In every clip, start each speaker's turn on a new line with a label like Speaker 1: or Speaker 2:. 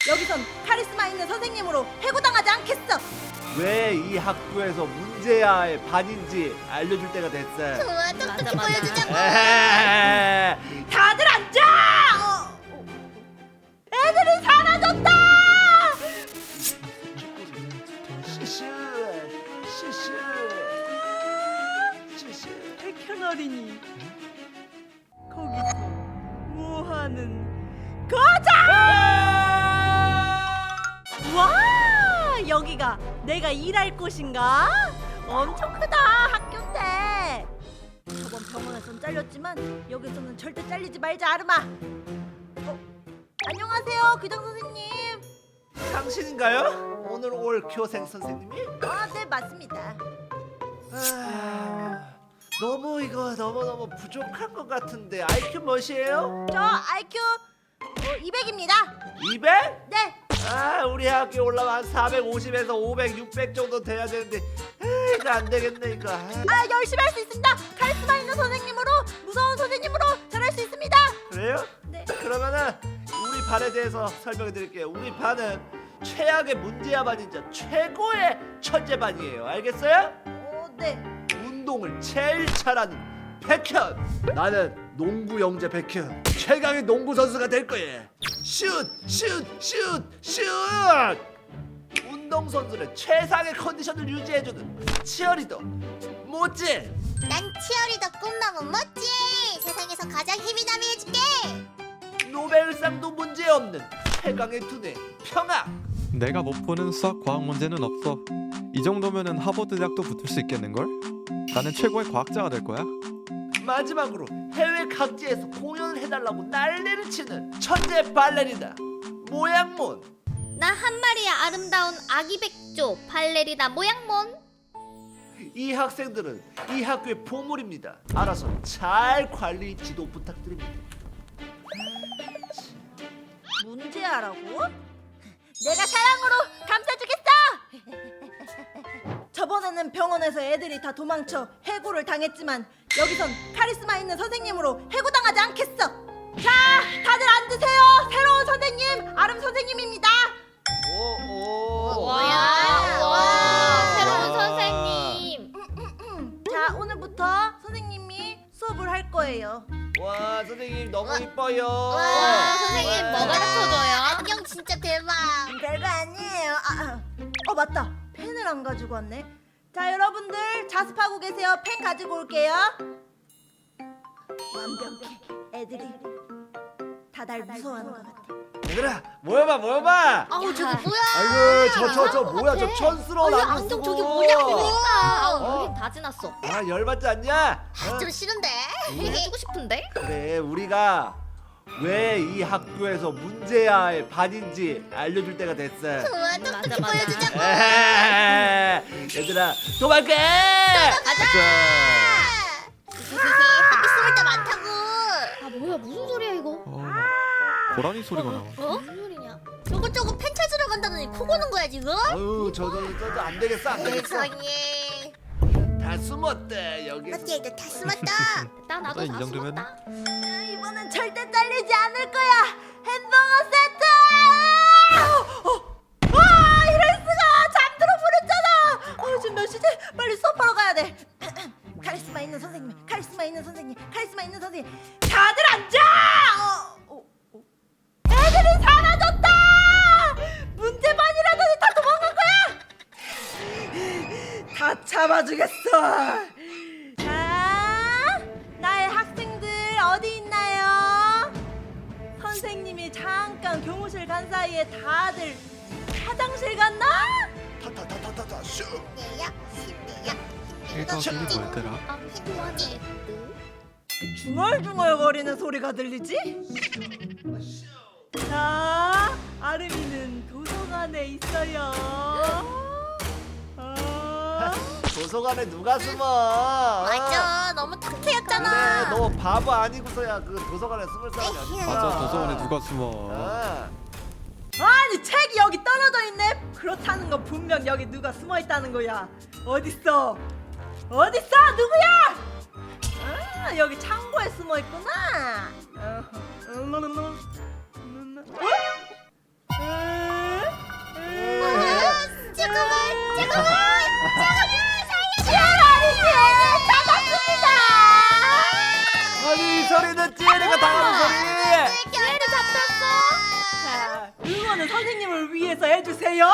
Speaker 1: 여기선 카리스마 있는 선생님으로 해고당하지 않겠어.
Speaker 2: 왜 이 학교에서 문제아의 반인지 알려줄 때가 됐어.
Speaker 3: 좋아, 똑똑히 보여주자고.
Speaker 2: 에헤헤.
Speaker 1: 다들 앉아. 애들이 사라졌다.
Speaker 2: 시시 시시.
Speaker 1: 백현 어린이 거기서 뭐하는 거자? 와, 여기가 내가 일할 곳인가? 엄청 크다. 학교인데 저번 병원에선 잘렸지만 여기서는 절대 잘리지 말자. 아르마. 안녕하세요, 교장 선생님.
Speaker 2: 당신인가요? 오늘 올 교생 선생님이?
Speaker 1: 네, 맞습니다.
Speaker 2: 너무 부족한 것 같은데 IQ 몇이에요?
Speaker 1: 저 IQ 200입니다.
Speaker 2: 200?
Speaker 1: 네.
Speaker 2: 우리 학교 올라면 한 450에서 500, 600 정도 돼야 되는데 이거 안 되겠네 이거.
Speaker 1: 열심히 할 수 있습니다. 카리스마 있는 선생님으로, 무서운 선생님으로 잘할 수 있습니다.
Speaker 2: 그래요?
Speaker 1: 네.
Speaker 2: 그러면은 우리 반에 대해서 설명해 드릴게요. 우리 반은 최악의 문제야 반이자 최고의 천재 반이에요. 알겠어요?
Speaker 1: 네.
Speaker 2: 운동을 제일 잘하는 백현. 나는 농구 영재 백현. 최강의 농구 선수가 될 거예요. 슛! 운동 선수는 최상의 컨디션을 유지해주는 치어리더 모찌.
Speaker 3: 난 치어리더 꿈나무 멋지. 세상에서 가장 힘이 남이 해줄게.
Speaker 2: 노벨상도 문제없는 최강의 두뇌 평학.
Speaker 4: 내가 못 푸는 수학 과학 문제는 없어. 이 정도면은 하버드 대학도 붙을 수 있겠는걸? 나는 최고의 과학자가 될 거야.
Speaker 2: 마지막으로 해외 각지에서 공연을 해달라고 난리를 치는 천재 발레리나 모양몬.
Speaker 3: 나 한 마리의 아름다운 아기 백조 발레리나 모양몬.
Speaker 2: 이 학생들은 이 학교의 보물입니다. 알아서 잘 관리 지도 부탁드립니다.
Speaker 1: 문제아라고? 내가 사랑으로 감싸주겠어. 저번에는 병원에서 애들이 다 도망쳐 해고를 당했지만 여기선 카리스마 있는 선생님으로 해고당하지 않겠어. 자, 다들 앉으세요. 새로운 선생님, 아름 선생님입니다.
Speaker 3: 와, 새로운 선생님.
Speaker 1: 자, 오늘부터 선생님이 수업을 할 거예요.
Speaker 2: 와 선생님 너무 이뻐요.
Speaker 3: 와, 선생님 뭐 가르쳐줘요? 안경 진짜 대박.
Speaker 1: 별거 아니에요. 맞다. 펜을 안 가지고 왔네. 자, 여러분들 자습하고 계세요. 펜 가지고 올게요. 완벽해. 애들이 다 날 무서워하는 것 같아.
Speaker 2: 얘들아 모여봐.
Speaker 3: 아우, 저거 뭐야?
Speaker 2: 아이고 저 뭐야 저 촌스러운
Speaker 3: 이
Speaker 2: 안경
Speaker 3: 안경
Speaker 2: 쓰고.
Speaker 3: 저게 뭐냐고.
Speaker 2: 어.
Speaker 3: 우린 다 지났어.
Speaker 2: 열받지 않냐?
Speaker 3: 좀 싫은데. 해주고 싶은데.
Speaker 2: 그래 우리가 왜 이 학교에서 문제아의 반인지 알려줄 때가 됐어.
Speaker 3: 좋아, 똑똑히 보여주자고.
Speaker 2: 에헤헤. 얘들아 도망가.
Speaker 3: 가자. 학교 숨을 때 많다고. 뭐야, 무슨 소리야 이거?
Speaker 4: 고라니 소리가 나와.
Speaker 3: 무슨 소리냐? 저거 펜 찾으러 간다더니 코 고는 거야 지금?
Speaker 2: 아유 저도 안 되겠어.
Speaker 3: 세상에.
Speaker 2: 다 숨었대 여기.
Speaker 3: 맞지? 너다 숨었다. 나도
Speaker 4: 이
Speaker 3: 다
Speaker 4: 정도면?
Speaker 3: 숨었다.
Speaker 1: 이번엔 절대 잘리지 않을 거야. 햄버거 세트! 이럴 수가. 잠들어 버렸잖아. 지금 몇 시지? 빨리 수업하러 가야 돼. 카리스마 있는 선생님, 카리스마 있는 선생님, 카리스마 있는 선생님. 다들 앉아! 애들이 사라졌다! 문제반이라더니 다 도망간 거야! 다 잡아주겠어. 자, 나의 학생들 어디 있나요? 선생님이 잠깐 교무실 간 사이에 다들 화장실 갔나?
Speaker 2: 타타타타타타 슈.
Speaker 3: 내야, 신내야.
Speaker 4: 이거 이게 뭐였더라?
Speaker 3: 힘들지.
Speaker 1: 중얼중얼 거리는 소리가 들리지? 자, 아름이는 도서관에 있어요.
Speaker 2: 도서관에 누가 숨어?
Speaker 3: 맞아, 너무 탁 트였잖아.
Speaker 2: 그래 너 바보 아니고서야 그 도서관에 숨을 사람이 어딨어.
Speaker 4: 맞아, 도서관에 누가 숨어.
Speaker 1: 아니, 책이 여기 떨어져 있네. 그렇다는 건 분명 여기 누가 숨어 있다는 거야. 어딨어? 누구야? 여기 창고에 숨어 있구나. 이거는 선생님을 위해서 해주세요.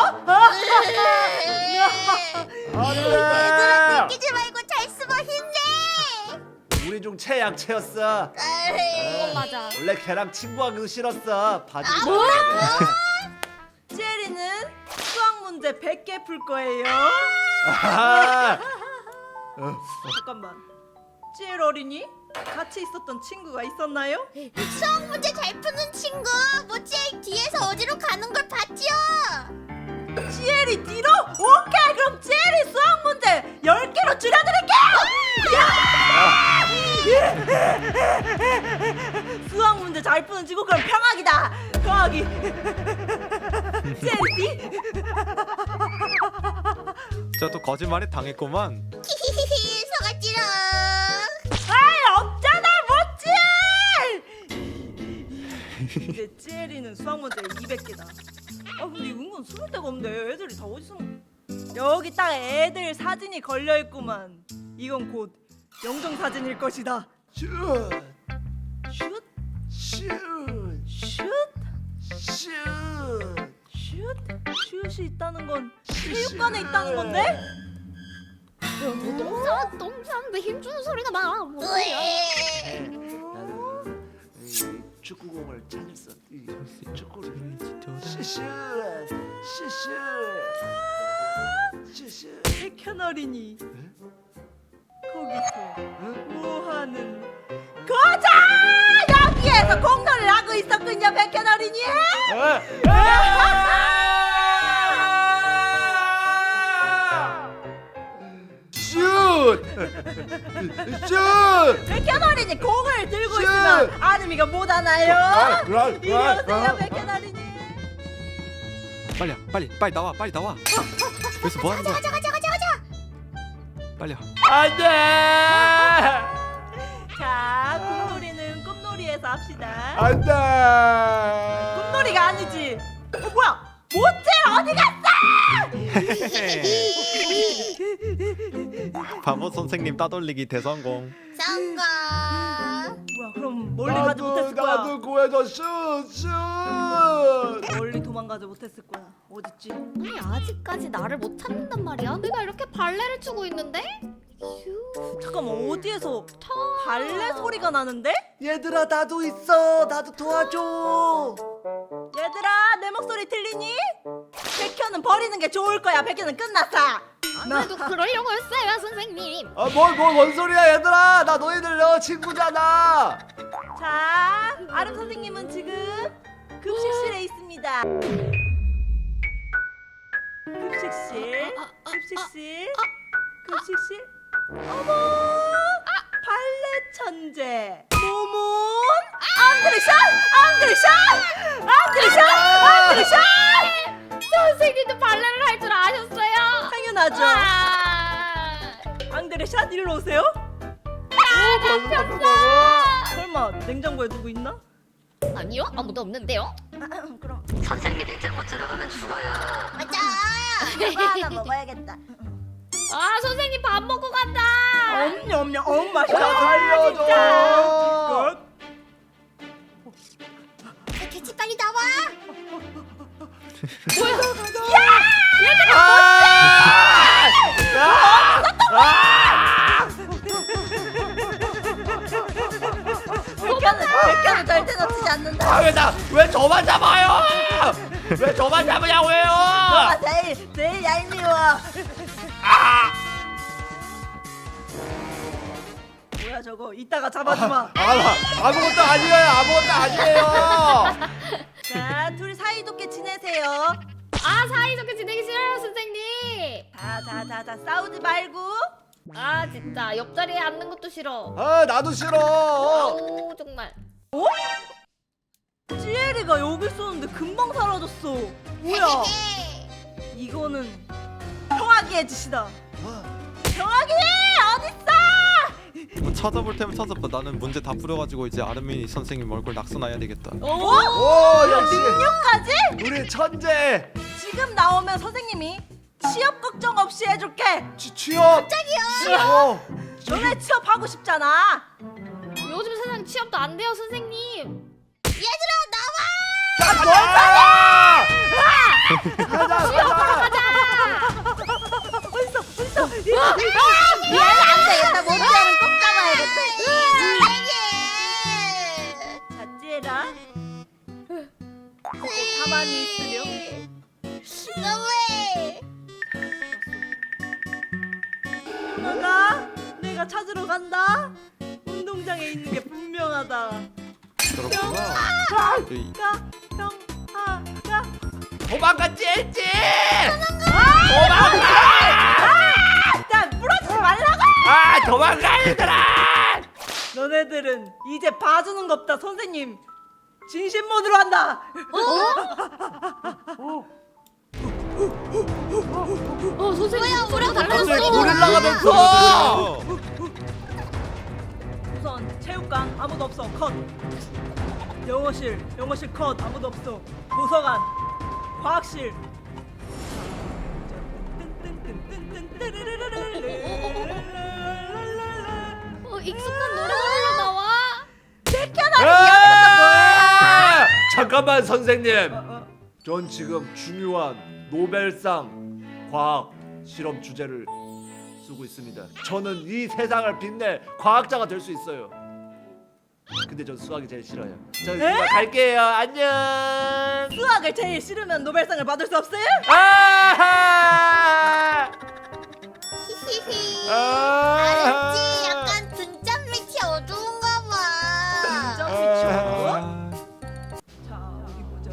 Speaker 2: 얘들아
Speaker 3: 끼지 말고 잘 숨어 힘내.
Speaker 2: 우리 중 최약체였어.
Speaker 3: 그건 맞아.
Speaker 2: 원래 걔랑 친구하기도 싫었어. 바지.
Speaker 1: 찌엘이는 수학 문제 100개 풀 거예요.
Speaker 2: 아,
Speaker 1: 잠깐만. 찌엘 어린이 같이 있었던 친구가 있었나요?
Speaker 3: 수학 문제 잘 푸는 친구 모찌 뒤에서 어디로 가는 걸 봤지요?
Speaker 1: 찌엘이 뒤로? 오케이, 그럼 찌엘이 수학 문제 10개로 줄여드릴게요. 수학 문제 잘 푸는 친구, 그럼 평학이다. 평학이. 찌엘이 뒤?
Speaker 4: 저또 거짓말에 당했구만.
Speaker 3: 히히히히 속았지롱.
Speaker 1: 아이, 없잖아, 모찌엘! 이제 찌엘이는 수학 문제 200개다. 아, 근데 은근 숨을 데가 없네. 애들이 다 어디서? 여기 딱 애들 사진이 걸려 있구만. 이건 곧 영정 사진일 것이다.
Speaker 2: 슛,
Speaker 1: 슛,
Speaker 2: 슛,
Speaker 1: 슛,
Speaker 2: 슛.
Speaker 1: 슛. 슛이 있다는 건 체육관에 있다는 건데?
Speaker 3: 똥 싸는데 힘주는 소리가 나. 뭐야?
Speaker 2: 나는 이 축구공을 찾았어. 이 축구를. 슛, 슛.
Speaker 1: 백현 어린이 거기서 뭐 하는 거자! 여기에서 공놀이를 하고 있었군요, 백현 어린이.
Speaker 2: 슛! 슛!
Speaker 1: 백현 어린이 공을 들고
Speaker 2: 슛!
Speaker 1: 있으면 아름이가 못 하나요?
Speaker 2: 그럼,
Speaker 1: 이리 오세요, 백현 어린이.
Speaker 4: 빨리 나와, 빨리 나와. 여기서 뭐 하는 거야?
Speaker 3: 가자.
Speaker 4: 빨리 와.
Speaker 2: 안 돼!
Speaker 1: 자, 공놀이는 꽃놀이에서 합시다.
Speaker 2: 안 돼!
Speaker 1: 꽃놀이가 아니지. 뭐야? 모찌 어디 갔어?
Speaker 4: 바보 선생님 따돌리기 대성공.
Speaker 3: 성공.
Speaker 1: 뭐야? 그럼 멀리 가지 못했을 거야.
Speaker 2: 나도 구해줘. 슛!
Speaker 1: 멀리 도망가지 못했을 거야. 어딨지?
Speaker 3: 아니 아직까지 나를 못 찾는단 말이야. 내가 이렇게 발레를 추고 있는데? 휴.
Speaker 1: 잠깐만, 어디에서 발레 소리가 나는데?
Speaker 2: 얘들아, 나도 있어. 나도 도와줘.
Speaker 1: 얘들아, 내 목소리 들리니? 백현은 버리는 게 좋을 거야. 백현은 끝났어.
Speaker 3: 나도 그러려고 했어요 선생님.
Speaker 2: 뭔 소리야, 얘들아. 나 너희들 친구잖아.
Speaker 1: 자, 아름 선생님은 지금 급식실에 있습니다. 급식실. 어머, 발레 천재 모몬 앙드레샷.
Speaker 3: 선생님도 발레를 할 줄 아셨어요?
Speaker 1: 당연하죠.
Speaker 3: 아,
Speaker 1: 앙드레샷, 일로 오세요. 설마 냉장고에 누구 있나?
Speaker 3: 아니요 아무도 없는데요.
Speaker 1: 그럼
Speaker 5: 선생님이 잘못 들어가면 죽어요.
Speaker 3: 맞아.
Speaker 1: 이거 하나 먹어야겠다.
Speaker 3: 아 선생님 밥 먹고 간다.
Speaker 1: 엄냠 맛있다.
Speaker 2: 나 살려줘.
Speaker 3: 개치 빨리 나와.
Speaker 1: 백현은 절대 놓치지 않는다.
Speaker 2: 왜 저만 잡아요? 왜 저만 잡으냐고요?
Speaker 1: 너가 제일 얄미워. 뭐야 저거? 이따가 잡아주마.
Speaker 2: 아무것도 아니에요.
Speaker 1: 자, 둘이 사이좋게 지내세요.
Speaker 3: 아 사이좋게 지내기 싫어요 선생님.
Speaker 1: 자, 싸우지 말고.
Speaker 3: 아 진짜 옆자리에 앉는 것도 싫어.
Speaker 2: 아, 나도 싫어.
Speaker 3: 아우 정말.
Speaker 1: 어? 찌에리가 여기 있었는데 금방 사라졌어. 뭐야? 이거는 평화기의 짓이다. 평화기 어딨어?
Speaker 4: 뭐 찾아볼 테면 찾아봐. 나는 문제 다 풀어가지고 이제 아르미 선생님 얼굴 낙서놔야 되겠다.
Speaker 2: 오, 역시
Speaker 1: 능력까지?
Speaker 2: 우리 천재.
Speaker 1: 지금 나오면 선생님이 취업 걱정 없이 해줄게.
Speaker 2: 취업. 갑자기요?
Speaker 1: 너네 취업하고 싶잖아.
Speaker 3: 요즘 세상 취업도 안 돼요 선생님.
Speaker 2: 가자.
Speaker 1: 갈게요.
Speaker 3: 너무해.
Speaker 1: 형아가 내가 찾으러 간다. 운동장에 있는 게 분명하다.
Speaker 4: 그렇구나. 이-
Speaker 1: 형아가
Speaker 2: 도망가 찔찔.
Speaker 1: 나 부러지지 말라고.
Speaker 2: 도망가 얘들아.
Speaker 1: 너네들은 이제 봐주는 거 없다. 선생님 진심 모드로 한다.
Speaker 3: 선생님 소리가
Speaker 2: 갑자기
Speaker 3: 달라졌어.
Speaker 2: 고릴라가 됐어.
Speaker 1: 우선 체육관 아무도 없어. 컷. 영어실 컷 아무도 없어. 도서관 과학실
Speaker 3: 익숙한 노래가 흘러나와.
Speaker 2: 잠깐만 선생님. 전 지금 중요한 노벨상 과학 실험 주제를 쓰고 있습니다. 저는 이 세상을 빛낼 과학자가 될 수 있어요. 근데 전 수학이 제일 싫어요. 저 이만 갈게요. 안녕.
Speaker 1: 수학을 제일 싫으면 노벨상을 받을 수 없어요?
Speaker 2: 아하!
Speaker 3: 히히히.
Speaker 2: 아.
Speaker 3: 알았지? 약간 등잔 밑이 어두운가 봐.
Speaker 1: 등잔 밑이 어두워? 자 어디 보자.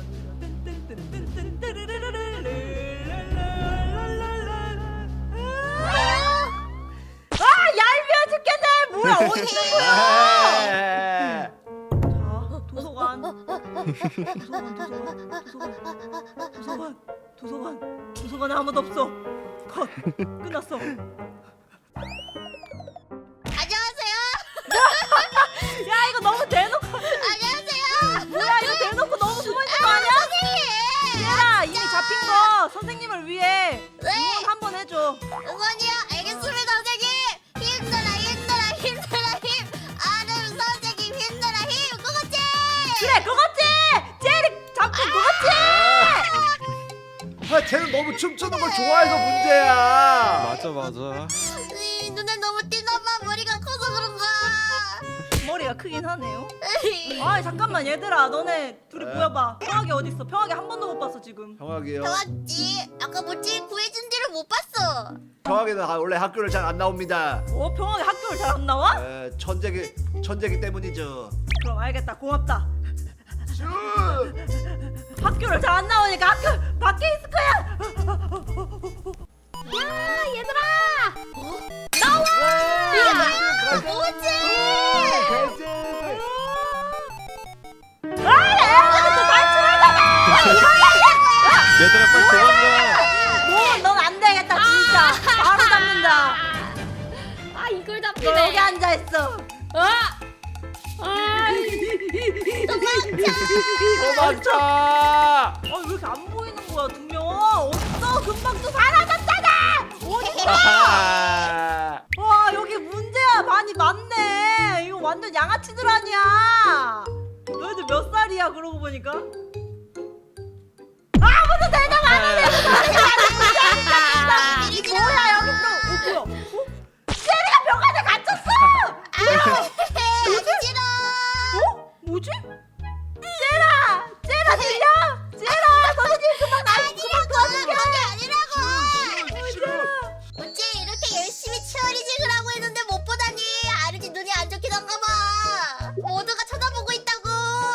Speaker 1: 아 얄미워 죽겠네. 뭐야 어디 있는 거야? 자 도서관 도서관에 아무도 없어. 컷 끝났어.
Speaker 3: 안녕하세요.
Speaker 1: 야 이거 너무 대놓고.
Speaker 3: 안녕하세요.
Speaker 1: 뭐야 이거 대놓고 너무 숨어 있는 거 아니야? 얘들아 이미 잡힌 거 선생님을 위해 응원 한번 해줘.
Speaker 3: 응원이요? 알겠습니다, 선생님. 힘내라, 힘내라, 힘내라, 힘. 아름 선생님 힘내라, 힘. 그거지?
Speaker 1: 그래 그거지. 제리 잡힌 그거지.
Speaker 2: 쟤는 너무 춤추는 걸 좋아해서 문제야.
Speaker 4: 맞아.
Speaker 3: 눈에 너무 띄나봐. 머리가 커서 그런가.
Speaker 1: 머리가 크긴 하네요. 아 잠깐만 얘들아 너네 둘이 모여봐. 평하게 어디 있어? 평하게 한 번도 못 봤어 지금.
Speaker 2: 형학이요.
Speaker 3: 좋았지. 아까 뭐지? 구해준 뒤를 못 봤어.
Speaker 2: 형학이는 원래 학교를 잘 안 나옵니다.
Speaker 1: 평하게 학교를 잘 안 나와?
Speaker 2: 천재기 때문이죠.
Speaker 1: 그럼 알겠다 고맙다.
Speaker 2: 슈!
Speaker 1: 학교를 잘 안 나오니까 학교 밖에 있을 거야.
Speaker 3: 야, 얘들아. 뭐지?
Speaker 4: 얘들아 빨리 도망가.
Speaker 1: 넌 안 되겠다 진짜. 바로 잡는다.
Speaker 3: 아, 이걸
Speaker 1: 너 여기
Speaker 3: 잡히네.
Speaker 1: 앉아 있어.
Speaker 2: 도망쳐!
Speaker 1: 왜 이렇게 안 보이는 거야 두 명? 어딨어? 금방 또 사라졌잖아. 어딨어? 와 여기 문제야 많이 많네. 이거 완전 양아치들 아니야. 너희들 몇 살이야 그러고 보니까? 아무도 대답 안 하네. 이 뭐야 여기 또 뭐야? 제리가 병 안에 갇혔어.
Speaker 3: 싫어.
Speaker 1: 뭐지? 제라 들려? 제라 선생님 그만 도와줄게.
Speaker 3: 그게 아니라고. 어째 이렇게 열심히 치어리징을 하고 있는데 못 보다니. 아르지 눈이 안 좋긴 한가 봐. 모두가 쳐다보고 있다고.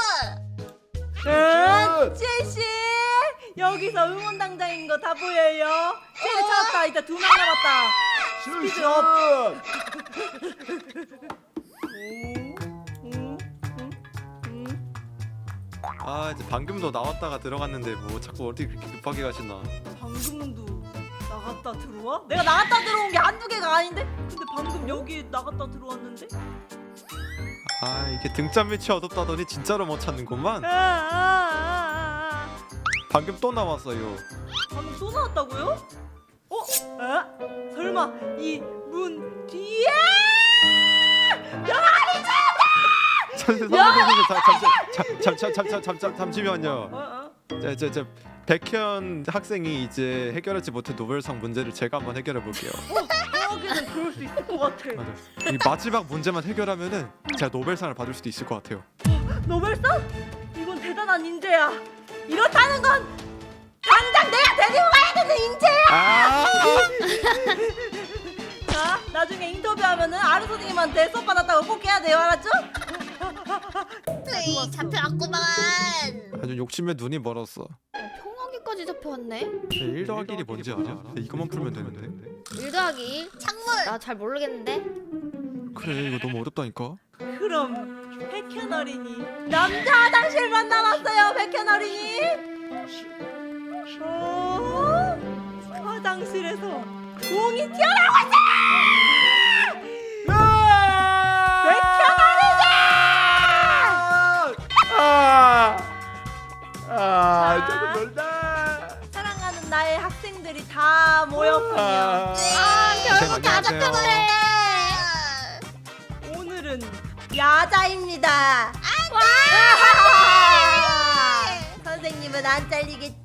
Speaker 1: 제시 여기서 응원당장인 거 다 보여요. 제리 찾았다. 이제 2명 남았다. 스피드업.
Speaker 4: 아 이제 방금도 나왔다가 들어갔는데 뭐 자꾸 어디 그렇게 급하게 가시나.
Speaker 1: 방금도 나갔다 들어와? 내가 나갔다 들어온 게 한두 개가 아닌데? 근데 방금 여기 나갔다 들어왔는데?
Speaker 4: 아 이게 등잔 밑이 어둡다더니 진짜로 못 찾는구만. 방금 또 나왔어요.
Speaker 1: 방금 또 나왔다고요? 설마 이 문 뒤에?
Speaker 4: 잠시만요. 저 백현 학생이 이제 해결하지 못한 노벨상 문제를 제가 한번 해결해 볼게요.
Speaker 1: 여기는 그럴 수 있을 것 같아.
Speaker 4: 맞아. 이 마지막 문제만 해결하면은 제가 노벨상을 받을 수도 있을 것 같아요.
Speaker 1: 노벨상? 이건 대단한 인재야. 이렇다는 건 자, 나중에 인터뷰하면은 아르 선생님한테 수업 받았다고 꼭 해야 돼요, 알았죠?
Speaker 3: 에이, 잡혀왔구만.
Speaker 4: 아주 욕심에 눈이 멀었어.
Speaker 6: 평화기까지 잡혀왔네.
Speaker 4: 1 더하기 1이 뭔지 알아? 이것만 풀면 되는데.
Speaker 6: 1 더하기 1?
Speaker 3: 창문.
Speaker 6: 나 잘 모르겠는데.
Speaker 4: 그래 이거 너무 어렵다니까.
Speaker 1: 그럼 백현 어린이 남자 화장실만 남았어요, 백현 어린이. 화장실에서 공이 튀어나오고 있어! 백현
Speaker 2: 조금 놀다.
Speaker 1: 사랑하는 나의 학생들이 다 모였군요.
Speaker 3: 결국 다
Speaker 4: 안녕하세요.
Speaker 3: 잡혀버렸네.
Speaker 1: 오늘은 야자입니다. 선생님은 안 잘리겠지?